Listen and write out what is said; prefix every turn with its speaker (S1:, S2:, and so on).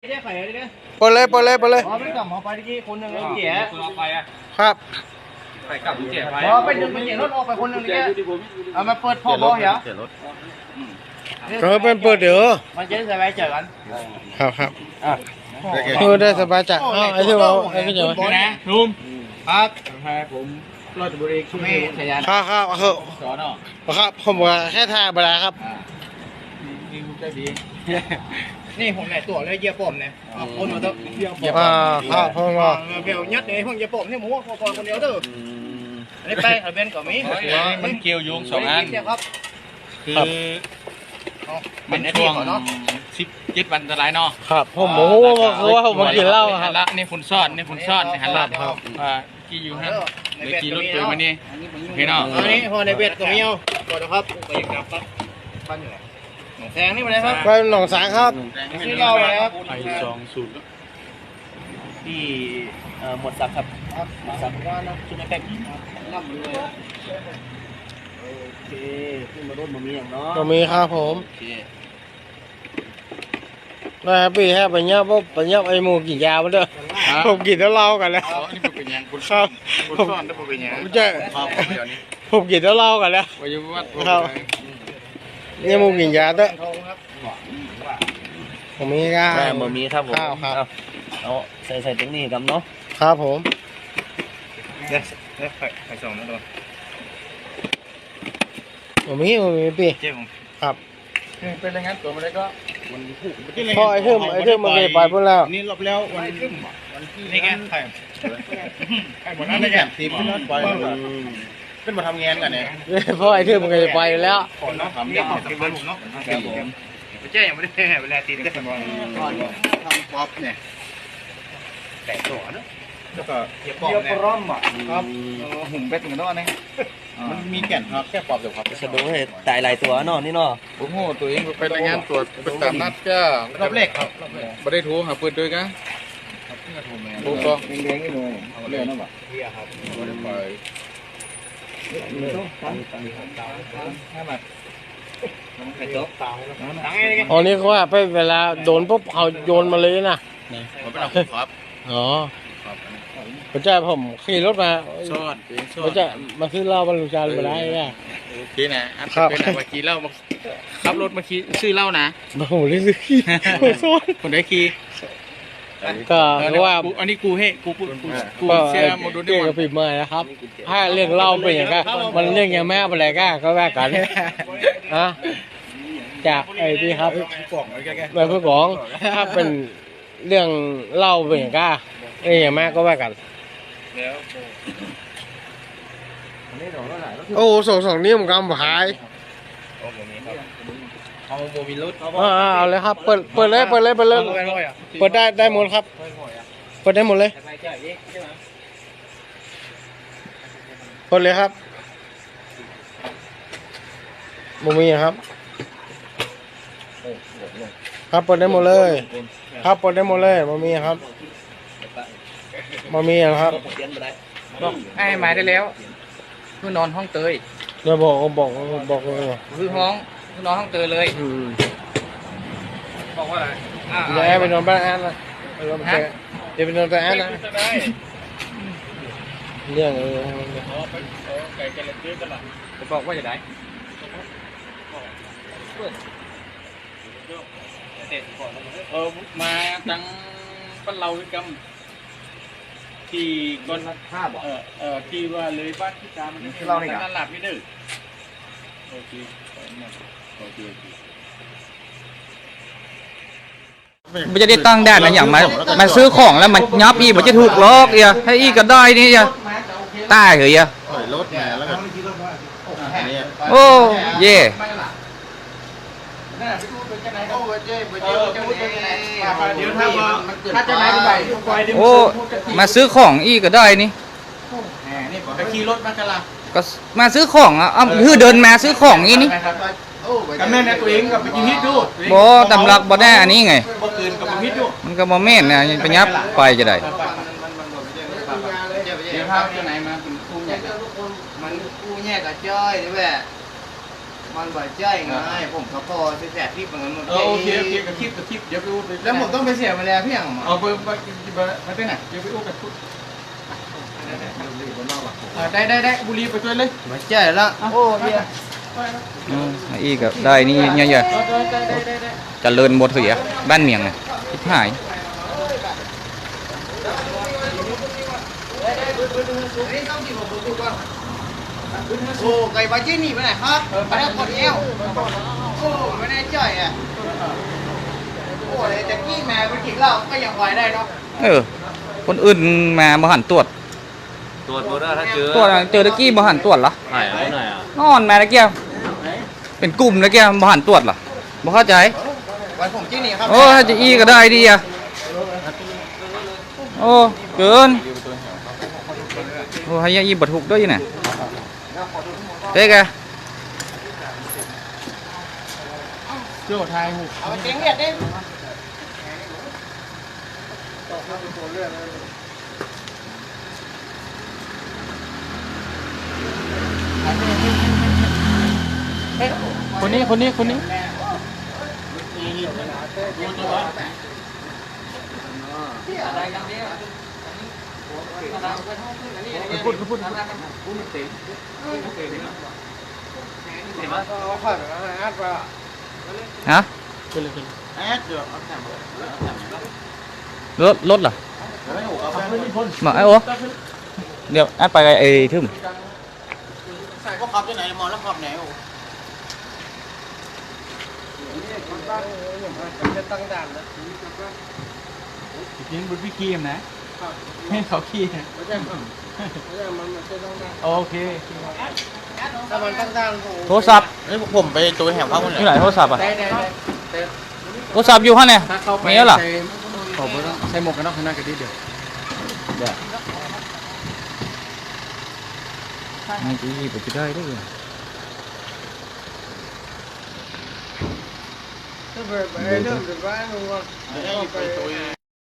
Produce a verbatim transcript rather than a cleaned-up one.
S1: เปิดเลยเปิดเลยเปิดเลย
S2: อ๋อไม่กลับหมอไปที่คนหนึ่งเลยเจ๋อไปอ่ะ
S1: ครับ
S2: ไปกลับเจ๋อไปอ๋อไปดึงไปเจ๋อรถออกไปคนหนึ่งเลยเอามาเปิดพ่อพ่อเหรอ
S1: เออเป็นเปิดเดี๋ยว
S2: มันจะได้สบายใจกัน
S1: ครับครับเออได้สบายใจอ้าวไอ้ที่เราไอ้ที่เจ๋อ
S2: นะลุงครับผมรถบริการไม่ใช่ยัน
S1: ครับครับครับ
S2: สอนอ่ะ
S1: ครับผมว่าแค่ทายบลาครับ
S2: นี่คุณใจดีนี่ผมไหนตัวเลยเยี่ยผมเนี่ยคนมาต้องเยี่ยผม
S1: อ่าครับพ่อมา
S2: เบลยัดเลยพวกเยี่ยผมนี่หมูพอคนเดียวเด้ออันนี้ไปเอาเบนกับมี
S3: มันเกี่ยวโยงสองอัน
S2: ครับ
S3: คือมันช่วงสิบเจ็ดวันตรายเนาะ
S1: ครับผมโอ้โหคือว่าผมมากินเหล้าครับ
S3: ละนี่ฝุ่นซ่อนนี่ฝุ่นซ่อนนี่หันละอ่ากี่อยู่ฮะในกี่รถตัวมานี่พี่น้อง
S2: อันนี้พอในเบ็ดก็มีเอาก่อนนะครับไปยังกลับครับบ้านอยู่ไหนหนองแซงนี่มาเลยครับ
S1: ไปหนองสางครับ
S2: ชื่อเราเลยครับ
S3: ไอสองศูนย์
S2: ที่หมดสักครับหมดสักว่านะชุดแป๊บน้ำเลยโอเคขึ้นมารุ่นมามีอย่างเนาะ
S1: ก็มีครับผมได้ครับพี่แค่ไปเนี้ยปุ๊บไปเนี้ยไอ้หมูกินยาไปเด้อผมกินแล้วเล่ากันแล้ว
S3: นี่เป็นยังคุณ
S1: ครับ
S3: คุณซ่อนได้เป็นยัง
S1: ใช่ผมกินแล้วเล่ากันแล้ว
S3: วายวัด
S1: ครับนี่หมูกินยาเด้อผมมีก็
S2: แม่หมูมีครับผม
S1: ครับ
S2: เอาใส่ใส่ตรงนี้ครับเนาะ
S1: ครับผม
S2: เดี๋ยวเดี๋ยวไปไปส่งนะตัว
S1: ผมมีผมมีพี่
S2: เจ๊ผม
S1: ครับ
S3: เป็นอย่างนั้นตัวมันเลยก็วันที่
S1: พอไอ้เทิมไอ้เทิมมันเลยไปหมดแล้ว
S3: นี่รอบแล้ววันที่วันที่
S2: นี่แกใคร
S3: ใครหมดนั่นเลยแกทีมที่นั่นไปขึ้นมาทำงานกันเนี่ย
S1: พอไอ้เทิมมันเลยไปแล้ว
S3: คนน้องทำเนี่ยทำเป็นผมเนาะ
S2: ครับผมเจ๊ยังไม่ได้เวลาตีได้ทำ
S3: ป๊อปเนี่ย
S2: แต่ตัวเนาะ
S3: แล้วก็
S2: เกี่ยวกับร่มอ่ะ
S3: ครับหุ่มเป็ดเหมือนกันนะมันมีแก่นครับแค่ปอบเดียวครับ
S2: สะดุ้งให้ตายหลายตัวเนาะนี่เนาะ
S3: โอ้โหตัวเองไปรายงานตรวจเป็นตามนัดก็
S2: รอบแรกครับ
S3: ไม่ได้ถูหาปืนด้วยกันถูกต้องเลี้ยงนี่เลยเอาเลี้ยงนั่นแหละ
S2: เฮียครับ
S3: ไม่ได้ไป
S1: อ๋อนี่เขาว่าไปเวลาโดนปุ๊บเขาโยนมาเลยนะ
S3: ผมเป็นเอาครับ
S1: อ๋อผมจะผมขี่รถมา
S3: ซ่อน
S1: ผมจะมาซื้อเหล้าบรรลุจารย์มาได้เนี่ย
S3: โอเคนะอันเป็นอะไรมาขี่เหล้ามาขับรถมาขี่ซื้อเหล้านะ
S1: โอ้โหเลยซื้อขี่ซ่อน
S3: คนได้ขี่
S1: ก็เพราะว่า
S3: อันนี้กูให้กูกูกูเชื่อโมดูล
S1: เกี่ยวกับฝีมือนะครับถ้าเรื่องเหล้าเป็นอย่างก็มันเรื่องอย่างแม่อะไรก็ก็แวกกันนะจากไอ้ที่ครับแบบเพื่อของถ้าเป็นเรื่องเหล้าเป็นอย่างก็ไอ้อย่างแม่ก็แวกกันโอ้สองสองนี้มันกำหาย
S3: เอาโมบิลุส
S1: เอาเลยครับเปิดเปิดเลยเปิดเลยเปิดเลยเปิดได้ได้หมดครับเปิดได้หมดเลยเปิดเลยครับโมมีครับครับเปิดได้หมดเลยครับเปิดได้หมดเลยโมมีครับโมมีครับ
S3: บอกให้หมายได้แล้วเพื่อนอนห้องเตย
S1: เดี๋ยวบอกบอกบอกเลย
S3: คือห้องคือนอนห้องเตยเลยบอกว่าอะไร
S1: เดี๋ยวไปนอนบ้านแอนนะเดี๋ยวไปนอนบ้านแอนนะเรื่องเออ
S3: ไก่กันเลยเยอะกันละจะบอกว่าจะได้เออมาตั้งปั้นเราด้วยกันที่ก้นท่าบอกเออเออที่ว่าเลยบ้านที่ตามันนี่เราเนี่ยหลับไม่ดื้อโอเคโอเคมันจะได้ตั้งได้นะอย่างมามาซื้อของแล้วมันยับอีมันจะถูกล็อกเอียให้อีก็ได้นี่เอียตายเหรอเอีย
S1: รถมาแล้วก็
S3: โอ้เย่โอ้มาซื้อของอีก็ได้นี่
S2: ไปขี่รถมากันละ
S3: ก็มาซื้อของอ่ะคือเดินมาซื้อของอีนี่
S2: กับแม่เนี่ยตัวเองกับไปกินฮิตดู
S3: บ่ตำลักบ่ได้อันนี้ไง
S2: บ่เกินกับฮิตดู
S3: มันก็บ่แม่นนะไปยับไปจะได้
S2: เดี๋ยวพาไปไหนมาเป็นคู่ใหญ่มันคู่แยกกับจ้อยนี่แหละมันบ่ใจไงผมเขาพอจะแจกคลิปเหมือนกันหมด
S3: เออโอเคโอเคกับคลิปกับคลิปเดี๋ยวไปอู้ไป
S2: แล้วผมต้องไปเสียเวลาพี่อย่าง
S3: เอาไปไปไปไปที่ไหนเดี๋ยวไปอู้กับคุณได้ได้ได้บุรีไปช่วยเลย
S2: บ่ใจละโอ้เดีย
S4: อืมอีกก็ได้นี่เยอะๆเจริญหมดเสียบ้านเมียงไงทิพหาย
S2: โอ้ไก่บาจี้นี่ไปไหนครับไปได้คนเอวโอ้ไม่ได้จ่อยอ่ะโอ้ยแต่กี้แม่ไปกินเหล้าก็ยังไหวได้เนาะ
S4: เออ คนอื่นมาบ่หันตรวจ
S5: ตรวจบ่ได้ถ้าเจอ
S4: ตรวจอะเจอตะกี้บ่หันตรวจเหรอ
S5: ไหนเอาไหนอ่ะ
S4: นอนมาตะกี้เป็นกลุ่มตะกี้บ่หันตรวจเหรอบ่เข้าใจ
S2: วันผมจี้นี่ครับ
S4: โอ้ถ้าจะอีก็ได้ดีอ่ะโอ้เกินโอ้ให้ยาอีบัถูกด้วยน่ะเด็กอะ
S3: เจ้าไทยหู
S2: เอาไปเก่งเรียดดิ
S3: คนนี้คนนี้คนนี้
S2: พูดพูด
S4: ฮะ
S3: ขึ้นเลยขึ้น
S2: แอดเดี๋ยวเอาแถม
S4: รถรถเหรอมาไอ้โอ้เดี๋ยวแอดไปไอ้ทึม
S2: ใส่พวกขับที่ไหนมองแล้วขับไหนโอ้
S1: จะตั้งด่านนะ
S3: ยิงบุญพี่คีมนะให้เขาขี้นะ
S1: ไม่ใช่มันไม่ใช่มันมันจะตั้งด่าน
S3: โอเค
S1: ถ้ามันตั้งด่านโอ้
S4: โทรศัพท์
S2: นี่ผมไปตัวแถมข้าวคนไหน
S4: อยู่ไหนโทรศัพท์อ่ะ
S1: ได้ได้ได้
S4: โทรศัพท์อยู่ข้างเนี่ย
S1: ถ้าเข้าไป
S4: มีแล้วเหรอ
S1: ใส่ขอบคุณใส่หมวกกันน็อกข้างหน้ากันดิเดียว
S4: ไม่จีบจะได้ด้วย
S1: ถ้าไปไปเริ่มจากบ้านมึงว่าไป